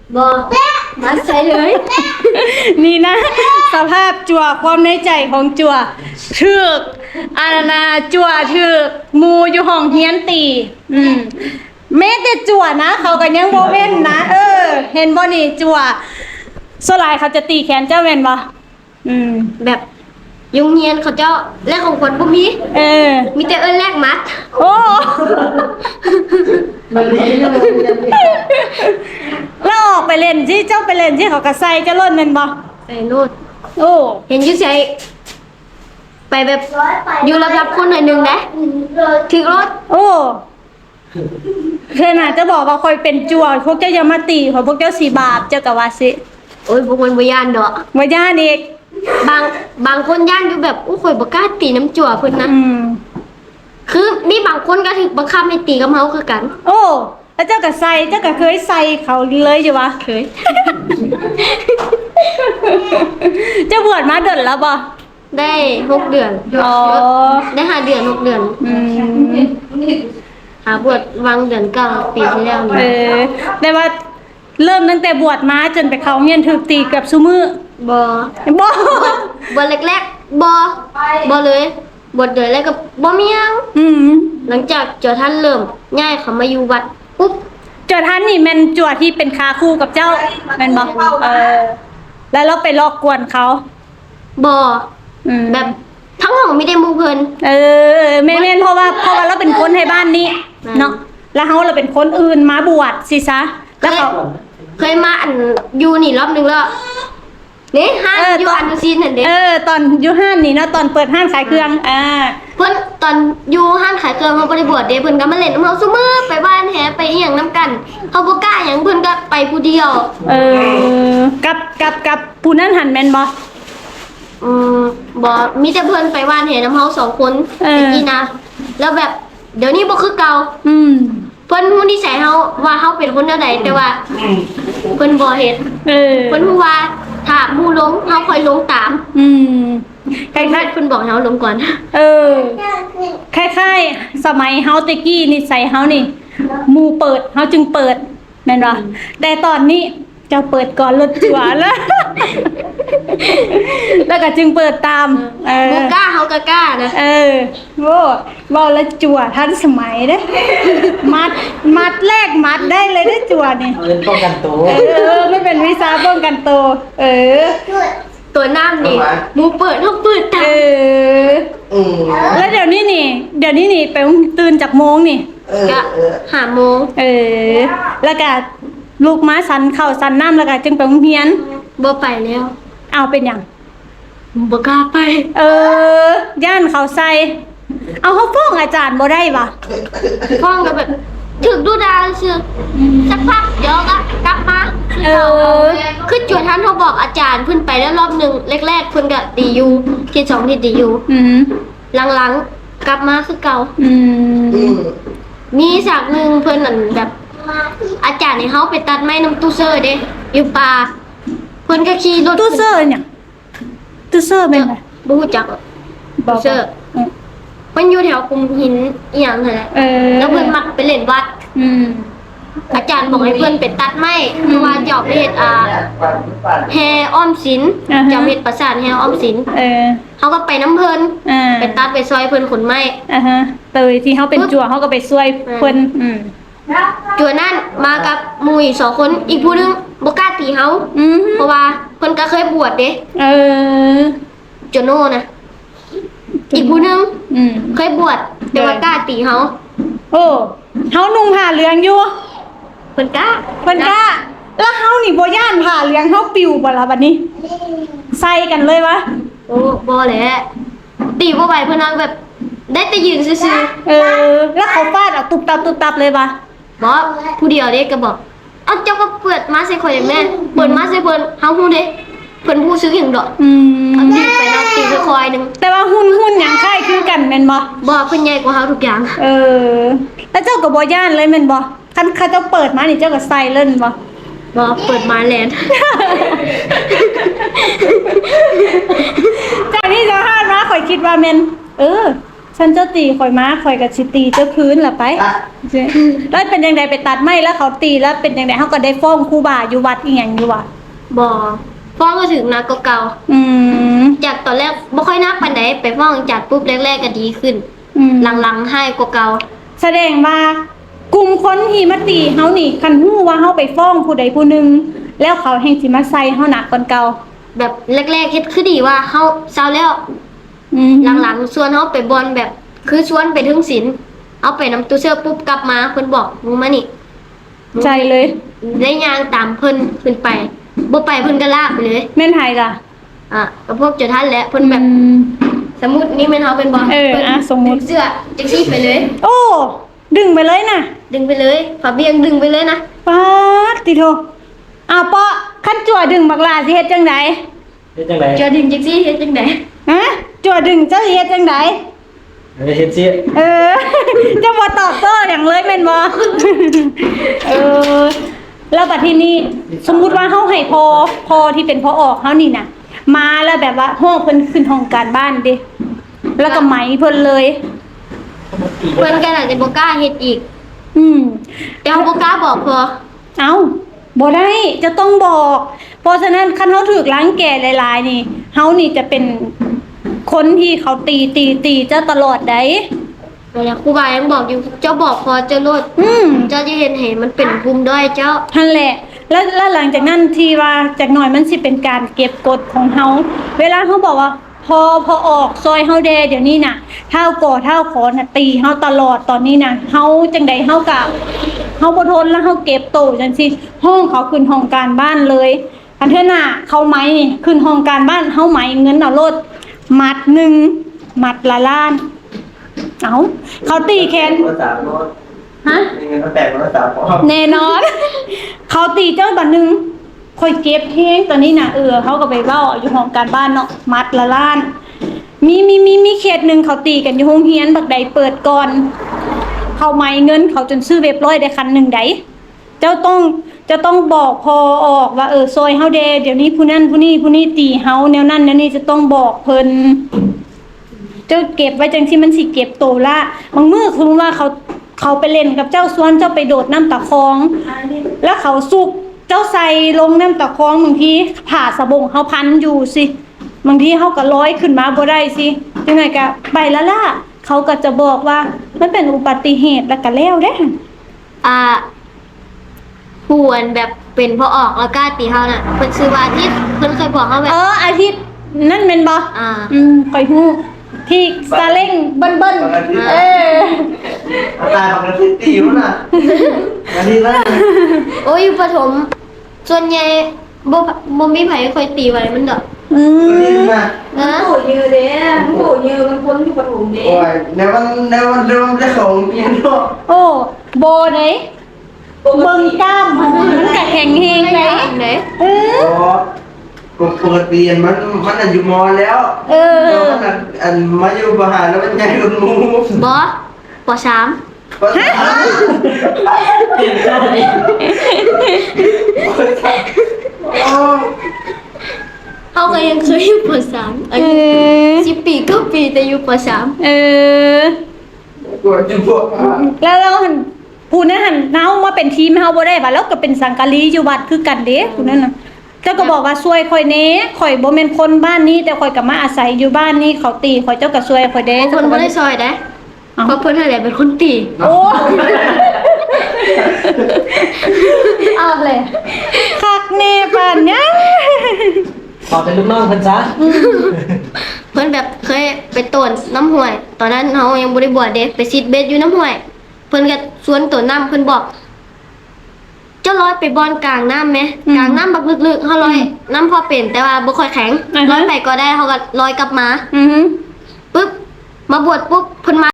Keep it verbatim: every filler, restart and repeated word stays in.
บอมาใส่เลยนี่นะสภาพจั่วความในใจของจั่วถึกอาณาจั่วถึกหมูอยู่ห้องเฮียนตีอืมแม้แต่จั่วนะเขาก็ยังบ่เว้นนะเออ เห็นบ่นี่จั่วโซลายเขาจะตีแขนเจ้าแม่นบ่อืมแบบยุงเฮียนเขาเจ้าแลกของขวัญบ่มีเออมีแต่เอิ้นแลกมัดโอ้แล้วออกไปเล่นที่เจ้าไปเล่นที่เขาก็ใส่เจ้าล้นแม่นบ่ใส่นู่นโอ้เห็นอยู่ใส่ไปแบบอยู่รับๆคนหน่อยหนึงนะถึงรถโอ้เพื่อนอาจจะบอกว่าคอยเป็นจั่วพวกเจ้าอย่ามาตีเพราะพวกเจ้าสีบาปเจ้าก็ว่าสิโอ้ยพวกมันบ่ย่านดอกบ่ย่านอีกบางบางคนย่านอยู่แบบอู้ข่อยบ่กล้าตีน้ำจั่วเพิ่นนะอืมคือมีบางคนก็ถูกบังคับให้ตีกับเฮาคือกันโอ้แล้วเจ้าก็ใส่เจ้าก็เคยใส่เขาเลยอยู่วะเคยเจ้าบวชมาเดือนแล้วบ่ได้หกเดือนอ๋อได้ห้าเดือนหกเดือนอืมหาบวชวางเดือนเก้าปีที่แล้วเอนี่อแต่ว่าเริ่มตั้งแต่บวชมาจนไปเขาเรียนถูกตีเกับซุมือบ่บ่บวชแรกๆบ่บ่เลยบวชเดือนแรกก็บ่มีหยังอืมหลังจากเจ้าท่านเริ่มย้ายเขามาอยู่วัดปุ๊บจวดท่านนี่แม่นจวดที่เป็นคาคู่กับเจ้าแม่นบ่เออ แล้วเราไปลอกกวนเขาบ่อืมแบบทั้งห้องมีแต่หมู่เพิ่นเออแม่นๆเพราะว่าเพราะว่าเราเป็นคนให้บ้านนี้อืมเนาะแล้วเฮาเราเป็นคนอื่นมาบวชสิซะแล้วเขาเคยมาอันอยู่นี่รอบนึงแล้วนี่ห้างเอออยู่ตอนอันดูซีนนั่นเด้เออ ตอนอยู่ห้านนี่เนาะตอนเปิดห้านขายเครื่องอ่าเพิ่นตอนอยู่ห้างขายเครื่องเฮาบ่ได้บวชเด้เพิ่นก็มาเล่นนำเฮาซุมื้อไปบ้านแฮไปอีหยังนํกันเฮาบ่กล้าหยังเพิ่นก็ไปผู้เดียวเออกับกับกับผู้นั้นหันแม่นบ่อืมบ่มีแต่เพิ่นไปบ้านแฮนำเฮาสองคนเออตะกี้นะแล้วแบบเดี๋ยวนี้บ่คือเก่าอืมเพิ่นฮู้นิสัยเฮาว่าเฮาเป็นคนแนวใดแต่ว่าเพิ่นบ่เฮ็ดเออเพิ่นฮู้ว่าถ้าหมู่ลงเฮาค่อยลงตามอืมคเพิ่นล้ายเพิ่นบอกให้เฮาลงก่อนๆเออคล้ายๆสมัยเฮาแตะกี้นิสัยเฮานี่หมู่เปิดเฮาจึงเปิดแม่นบ่แต่ตอนนี้เจ้าเปิดก่อนรถจั่วแล้ว แล้วก็จึงเปิดตาม เออบ่กล้าเฮาก็กล้านะเออโว้บ่แล้วจั่วทันสมัยเด้ มัดมัดแรกมัดได้เลยได้อจั่วนี่เล่นป้องกันตัวเออไม่เป็นวิชาป้องกันตัวเออตัวน้ำนี่ทำไมหมู่เปิดเฮาเปิดตาเอมออืมแล้วเดี๋ยวนี้นี่ เดี๋ยวนี้นี่ไปตื่นจากโมงนี่เออก็เออห้าโมงเออ แล้วก็ลูกม้าสันเข้าสันน้ำแล้วก็จึงไปโรงเรียนบ่ไปแล้วเอาเป็นหยังบ่กล้าไปเออย่านเขาใส่เอาเขาฟ้องอาจารย์บ่ได้ปะฟ้องก็แบบถึกดูดาวซื่อสักพักเดี๋ยวก็กลับมาเออคือจวดท่านเขาบอกอาจารย์เพิ่นไปแล้วรอบหนึงแรกๆเพิ่นก็ดีอยู่ที่สองที่ดีอยู่อืมหลังๆกลับมาคือเก่าอือืมมมีฉากหนึงเพิ่นนั่นแบบ อาจารย์ให้เฮาไปตัดไม้น้ำตู้เซอร์เด้อยู่ป่าเพิ่นก็ขี่รถตู้เซอร์เนี่ยตู้เซอร์เป็นไงบ่รู้จัก ตู้เซอร์ มันอยู่แถวคุมหินอีหยังนั่นแหละเออแล้วเพิ่นมักไปเล่นวัดอืมอาจารย์บอกให้เพิ่นไปตัดไม้เพราะว่าจะเอาไปเฮ็ดอ่าแฮอ้อมศิลป์อ่าฮะจะเอาไปเฮ็ดปราสาทแฮอ้อมศิลป์เออเขาก็ไปน้ำเพิ่นอ่าไปตัดไปซอยเพิ่นขนไม้อ่าฮะเตยที่เขาเป็นจั่วเขาก็ไปช่วยเพิ่นอืมจัวนั่นมากับหมู่อีกสองคนอีกผู้หนึงบ่กล้าตีเฮาอืมเพราะว่าเพิ่นก็เคยบวชเด้เออโจโน่นะอีกผู้หนึงอืมเคยบวชแต่ว่ากล้าตีเฮาโอ้เฮานุ่งผ้าเหลืองอยู่เพิ่นกล้าเพิ่นกล้าแล้วเฮานี่บ่ย่านผ้าเหลืองเฮาปิวบ่ล่ะบัดนี้ ใส่กันเลยวะโอ้บ่แหละตีบ่ไหวเพิ่นนั่งแบบ ได้แต่ยืนซื่อเออ แล้วเขาฟาดเอาตุบตับตุบตับเลยวะๆบ่ผู้เดียวเด้ก็บอกเอาเจ้าก็เปิดมาใส่ข่อยได้แม่เปิดมาใส่เพิ่นเฮาฮู้เด้เพิ่นผู้ซื้อหยังดอกอืมเอาตีไปนำตีไปคอยหนึงแต่ว่าหุ่นหุ่นหยังคล้ายคือกันแม่นบ่บ่เพิ่นใหญ่กว่าเฮาทุกอย่างเออ แล้วเจ้าก็บ่ย่านเลยแม่นบ่คันเขาเจ้าเปิดมานี่เจ้าก็ใส่เล่นบ่บ่เปิดมาแลนด์จากที่เจ้าห้านมาข่อยคิดว่าแม่นเออฉันเจ้าตีข่อยมาข่อยก็สิตีเจ้าคืนล่ะไปอ่ะแล้วเป็นจังไดไปตัดไม้แล้วเขาตีแล้วเป็นจังไดเฮาก็ได้ฟ้องครูบาอยู่วัดอีหยังอยู่ว่ะบ่ฟ้องก็ถึงนักก็เก่าอืมจากตอนแรกบ่ค่อยนักปานใดไปฟ้องจัดปุ๊บแรกๆก็ดีขึ้นอืมหลังๆให้กว่าเก่าแสดงว่ากลุ่มคนที่มาตีเฮานี่คันฮู้ว่าเฮาไปฟ้องผู้ใดผู้หนึงแล้วเขาแห่งสิมาใส่เฮาหนักกว่าเก่าแบบแรกๆเฮ็ดคือดีว่าเฮาเศร้าแล้วอืมหลังๆชวนเฮาไปบอลแบบ คือชวนไปถึงศิลป์เอาไปนำตู้เสื้อปุ๊บกลับมาเพิ่นบอกมึงมานี่ใจเลยได้ย่างตามเพิ่นขึ้นไปบ่ไปเพิ่นก็ลากไปเลยแม่นไทยล่ะอ่ะก็พวกเจ้าท่านแหละเพิ่นแบบอืมสมมุตินี่แม่นเฮาเป็นบอลเออพิ่นอ่ะสมมุติดึงเสื้อจังซี่ไปเลยโอ้ ดึงไปเลยน่ะดึงไปเลยฝาเบียงดึงไปเลยนะป๊าดติโทอ้าวเปาะคันจั่วดึงบักลาสิเฮ็ดจังไดเฮ็ดจังได๋เจะดึงจังซี่เฮ็ดจังได๋ฮะจั่วดึงเจ้าสิเฮ็ดจังไดเฮ็ดสิเออ จะบ่ตอบโต้อย่างเลยแม่นบ่ เออ แล้วบัดทีนี้สมมุติว่าเฮาให้พอพอที่เป็นพอออกเฮานี่น่ะ มาแล้วแบบว่าห้องเพิ่นขึ้นห้องการบ้านเด้แล้วก็ไหมเพิ่นเลยเพิ่นก็น่าจะบ่กล้าเฮ็ดอีกอืมแต่เฮาบ่กล้าบอกพอเอาบ่ได้จะต้องบอก เพราะฉะนั้นคันเฮาถูกล้างแก่หลายๆนี่เฮานี่จะเป็นคนที่เขาตีตีตีเจ้าตลอดได้นั่นแหละครูบายังบอกอยู่เจ้าบอกพอเจ้าโลดอืมเจ้าจะเห็นเห็นมันเป็นภูมิด้อยเจ้านั่นแหละ แล้วแล้วหลังจากนั้นที่ว่าจากหน่อยมันสิเป็นการเก็บกดของเฮาเวลาเฮาบอกว่า พอพอออกซอยเฮาแดเดี๋ยวนี้น่ะเท่าก่อเท่าขอน่ะตีเฮาตลอดตอนนี้น่ะเฮาจังใดเฮากะเฮาบ่ทนแล้วเฮาเก็บโตจังซี่ห้องเขาขึ้นห้องการบ้านเลยอันเทื่อหน้าเขาไหมนี่ขึ้นห้องการบ้านเฮาไหมเงินเอาโลดมัดหนึ่งมัดละล้านเอ้าเขาตีแขนภาษาโน้ตฮะมีเงินมาแปลงภาษาพอแน่นอน เขาตีเจ้าบันหนึ่งคอยเก็บเฮงตอนนี้นะเออเขาก็ไปเล่าอยู่ห้องการบ้านเนาะมัดละล้าน มีมีมีมีเขตหนึ่งเขาตีกันอยู่ห้องเฮียนบักใดเปิดก่อน เขาไม่เงินเขาจนซื้อเว็บร้อยได้คันหนึ่งไดเจ้าต้องจะต้องบอกพอออกว่าเออซอยเฮาเดเดี๋ยวนี้ผู้นั้นผู้นี้ผู้นี้ตีเฮาแนวนั้นแนวนี้จะต้องบอกเพิ่นเจ้าเก็บไว้จังที่มันสิเก็บโตละบางมื้อคือว่าเขาเขาไปเล่นกับเจ้าสวนเจ้าไปโดดน้ำตะคอง แล้วเขาสุกเจ้าใส่ลงน้ำตะคองบางทีผ่าสะบงเขาพันอยู่สิบางทีเขาก็ร้อยขึ้นมาบ่ได้สิยังไงกะไปละล่ะเขาก็จะบอกว่ามันเป็นอุบัติเหตุแล้วก็แล้วเด้อ่าผู้อันแบบเป็นพอออกแล้วกล้าตีเฮาน่ะเพิ่นชื่อว่าอาทิตย์เพิ่นเคยบอกเฮาแบเอบ ออาทิตย์นั่นเป็นบ่อ่าอืมคอยฮู้ที่ซาเล้งเบิ้นเบิ้นเออตายของกันที่ตีวะน่ะอันนี้ละโอ้ยอยู่ประถมส่วนใหญ่บ่บ่มีไผค่อยตีไว้มันดอกอือันนี้มนะนะโหยืนเด้โหยืนเป็นคนที่ปฐมเด้โอ้ยในวันในวันเดิมจะของเพียงเนาะโอ้โบไหนเบิ่งกล้ามมันก็แข็งเฮงไหนไหนเออโอ้ปกติมันมันอยู่มอแล้วเออเดี๋ยวมันอันมาอยู่มหาแล้วมันใหญ่กว่าหมูบ่ปสามฮะเฮาก็ยังเคยอยู่ปสามอาเอยุอสิบปีเก็ปีแต่อยู่ปสามเออกดจุบวแล้วเราหันผู้นั้นหันเฮามาเป็นทีมเฮาบ่ได้บัดแล้วก็เป็นสังกะลีอยู่วัดคือกันเด้ผู้นั้นน่ะเจ้าก็บอกว่าช่วยข่อยแหน่ข่อยบ่แม่นคนบ้านนี้แต่ข่อยก็มาอาศัยอยู่บ้านนี้เขาตีข่อยเจ้าก็ช่วยข่อยเด้บางคนบ่ได้ซอยได้เพราะเพิ่นนั่นแหละเป็นคนตีโอ้ เอาเลยคักแน่ปานยังขอเป็นลูกน้องพันจ้าเพิ่นแบบเคยไปต้นน้ำห้วย ตอนนั้นเฮายังบ่ได้บวชเด้ไปซิดเบ็ดอยู่น้ำห้วย เพิ่นก็สวนต้นน้ำเพิ่นบอก เจ้าลอยไปบอนกลางน้ำไหมกลางน้ำบักลึกๆเฮาลอยน้ำพอเป็นแต่ว่าบ่ค่อยแข็งลอยไปก็ได้เฮาก็ลอยกลับมาอือฮึปึ๊บมาบวชปุ๊บเพิ่นมา